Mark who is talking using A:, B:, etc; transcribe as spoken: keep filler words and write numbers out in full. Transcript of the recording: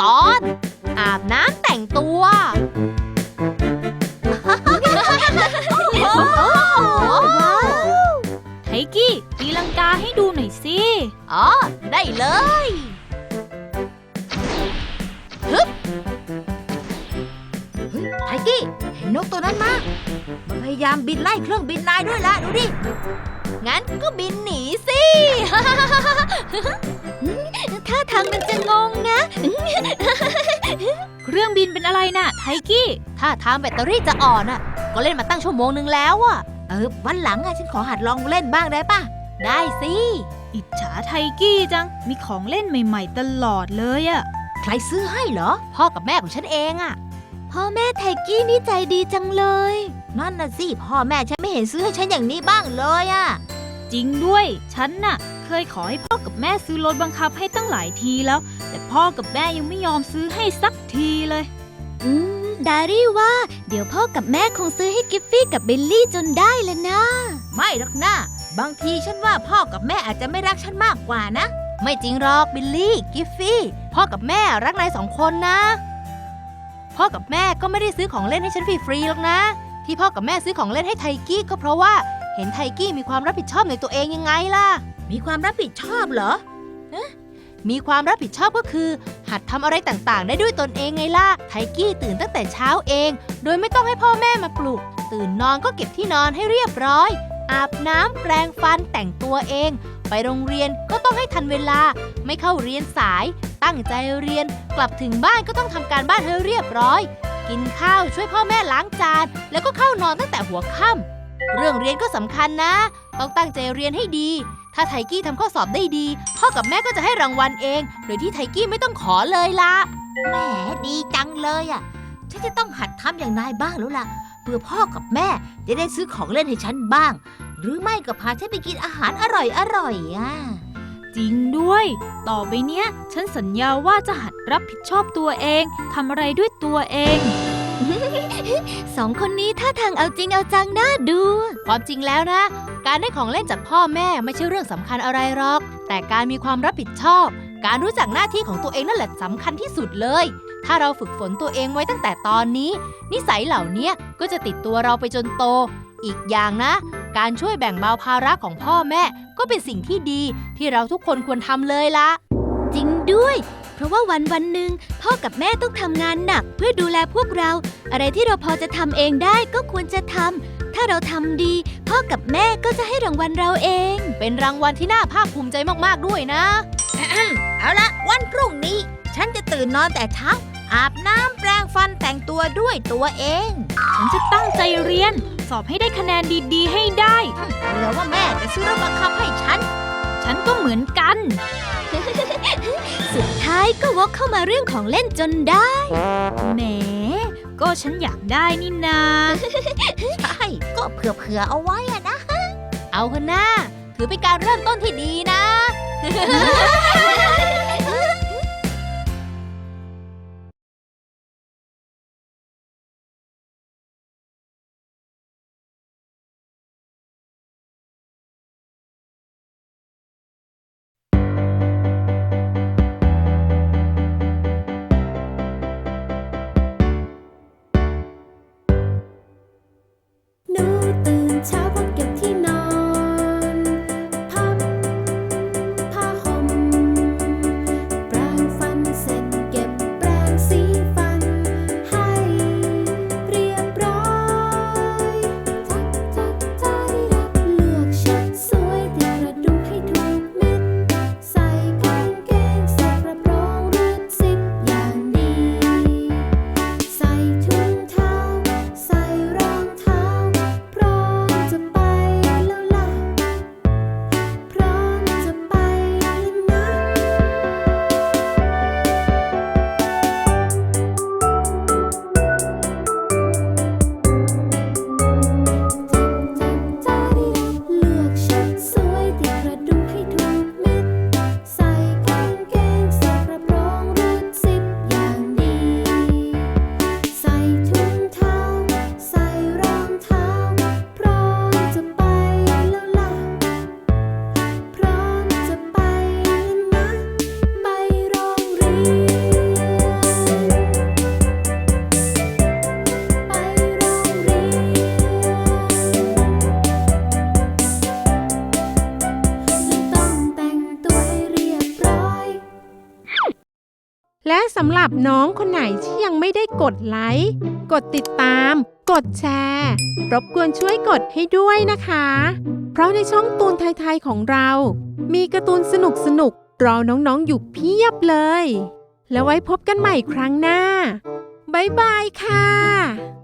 A: ตอนอาบน้ำแต่งตัว
B: ไทกี้ตีลังกาให้ดูหน่อยสิ
A: อ๋อได้เลยฮึบเฮ้ยไทกี้เห็นนกตัวนั้นมามันพยายามบินไล่เครื่องบินนายด้วยละดูดิงั้นก็บินหนีสิ
B: ท่าทางมันจะงงนะเครื่องบินเป็นอะไรน่ะไทกี้
A: ถ้าทางแบตเตอรี่จะอ่อนอ่ะก็เล่นมาตั้งชั่วโมงนึงแล้วอ่ะเออวันหลังอ่ะฉันขอหัดลองเล่นบ้างได้ป่ะได้สิ
B: อิจฉาไทกี้จังมีของเล่นใหม่ๆตลอดเลยอะ
A: ใครซื้อให้เหรอพ่อกับแม่ของฉันเองอะ
B: พ่อแม่ไทกี้นี่ใจดีจังเลย
A: นั่นน่ะสิพ่อแม่ฉันไม่เห็นซื้อให้ฉันอย่างนี้บ้างเลยอะ
B: จริงด้วยฉันน่ะเคยขอให้พ่อกับแม่ซื้อรถบังคับให้ตั้งหลายทีแล้วแต่พ่อกับแม่ยังไม่ยอมซื้อให้สักทีเลยอืมดารี่ว่าเดี๋ยวพ่อกับแม่คงซื้อให้กิฟฟี่กับบิลลี่จนได้แล้วนะ
A: ไม่หรอกนะบางทีฉันว่าพ่อกับแม่อาจจะไม่รักฉันมากกว่านะไม่จริงหรอกบิลลี่กิฟฟี่พ่อกับแม่รักนายสองคนนะพ่อกับแม่ก็ไม่ได้ซื้อของเล่นให้ฉันฟรีๆหรอกนะที่พ่อกับแม่ซื้อของเล่นให้ไทกี้ก็เพราะว่าเห็นไทกี้มีความรับผิดชอบในตัวเองยังไงล่ะมีความรับผิดชอบเหรอมีความรับผิดชอบก็คือหัดทำอะไรต่างๆได้ด้วยตนเองไงล่ะไทกี้ตื่นตั้งแต่เช้าเองโดยไม่ต้องให้พ่อแม่มาปลุกตื่นนอนก็เก็บที่นอนให้เรียบร้อยอาบน้ำแปรงฟันแต่งตัวเองไปโรงเรียนก็ต้องให้ทันเวลาไม่เข้าเรียนสายตั้งใจเรียนกลับถึงบ้านก็ต้องทำการบ้านให้เรียบร้อยกินข้าวช่วยพ่อแม่ล้างจานแล้วก็เข้านอนตั้งแต่หัวค่ำเรื่องเรียนก็สำคัญนะต้องตั้งใจเรียนให้ดีถ้าไทกี้ทำข้อสอบได้ดีพ่อกับแม่ก็จะให้รางวัลเองโดยที่ไทกี้ไม่ต้องขอเลยล่ะแหมดีจังเลยอ่ะฉันจะต้องหัดทำอย่างนายบ้างแล้วล่ะเพื่อพ่อกับแม่จะได้ซื้อของเล่นให้ฉันบ้างหรือไม่ก็พาฉันไปกินอาหารอร่อยอร่อยอ่ะ
B: จริงด้วยต่อไปเนี้ยฉันสัญญาว่าจะหัดรับผิดชอบตัวเองทำอะไรด้วยตัวเองสองคนนี้ท่าทางเอาจริงเอาจังน่าดู
A: ความจริงแล้วนะการได้ของเล่นจากพ่อแม่ไม่ใช่เรื่องสำคัญอะไรหรอกแต่การมีความรับผิดชอบการรู้จักหน้าที่ของตัวเองนั่นแหละสำคัญที่สุดเลยถ้าเราฝึกฝนตัวเองไว้ตั้งแต่ตอนนี้นิสัยเหล่านี้ก็จะติดตัวเราไปจนโตอีกอย่างนะการช่วยแบ่งเบาภาระของพ่อแม่ก็เป็นสิ่งที่ดีที่เราทุกคนควรทำเลยละ
B: จริงด้วยเพราะว่าวันวันหนึ่งพ่อกับแม่ต้องทำงานหนักเพื่อดูแลพวกเราอะไรที่เราพอจะทำเองได้ก็ควรจะทำถ้าเราทำดีพ่อกับแม่ก็จะให้รางวัลเราเอง
A: เป็นรางวัลที่น่าภาคภูมิใจมากๆด้วยนะ เอาละวันพรุ่งนี้ฉันจะตื่นนอนแต่เช้าอาบน้ำแปรงฟันแต่งตัวด้วยตัวเอง
B: ฉันจะตั้งใจเรียนสอบให้ได้คะแนนดีๆให้ได้
A: เผื่อว่าแม่จะซื้อรถบังคับให้ฉัน
B: ฉันก็เหมือนกัน สุดท้ายก็วกเข้ามาเรื่องของเล่นจนได้แหมก็ฉันอยากได้นี่นา
A: ใช่ก็เผื่อๆเอาไว้อะนะเอาเถอะนะถือเป็นการเริ่มต้นที่ดีนะ
C: เช้าพอเก็บที่นอนพับผ้าห่และสำหรับน้องคนไหนที่ยังไม่ได้กดไลค์ กดติดตาม กดแชร์ รบกวนช่วยกดให้ด้วยนะคะ เพราะในช่องตูนไทยๆของเรา มีการ์ตูนสนุกๆรอน้องๆอยู่เพียบเลย แล้วไว้พบกันใหม่ครั้งหน้า บ๊ายบายค่ะ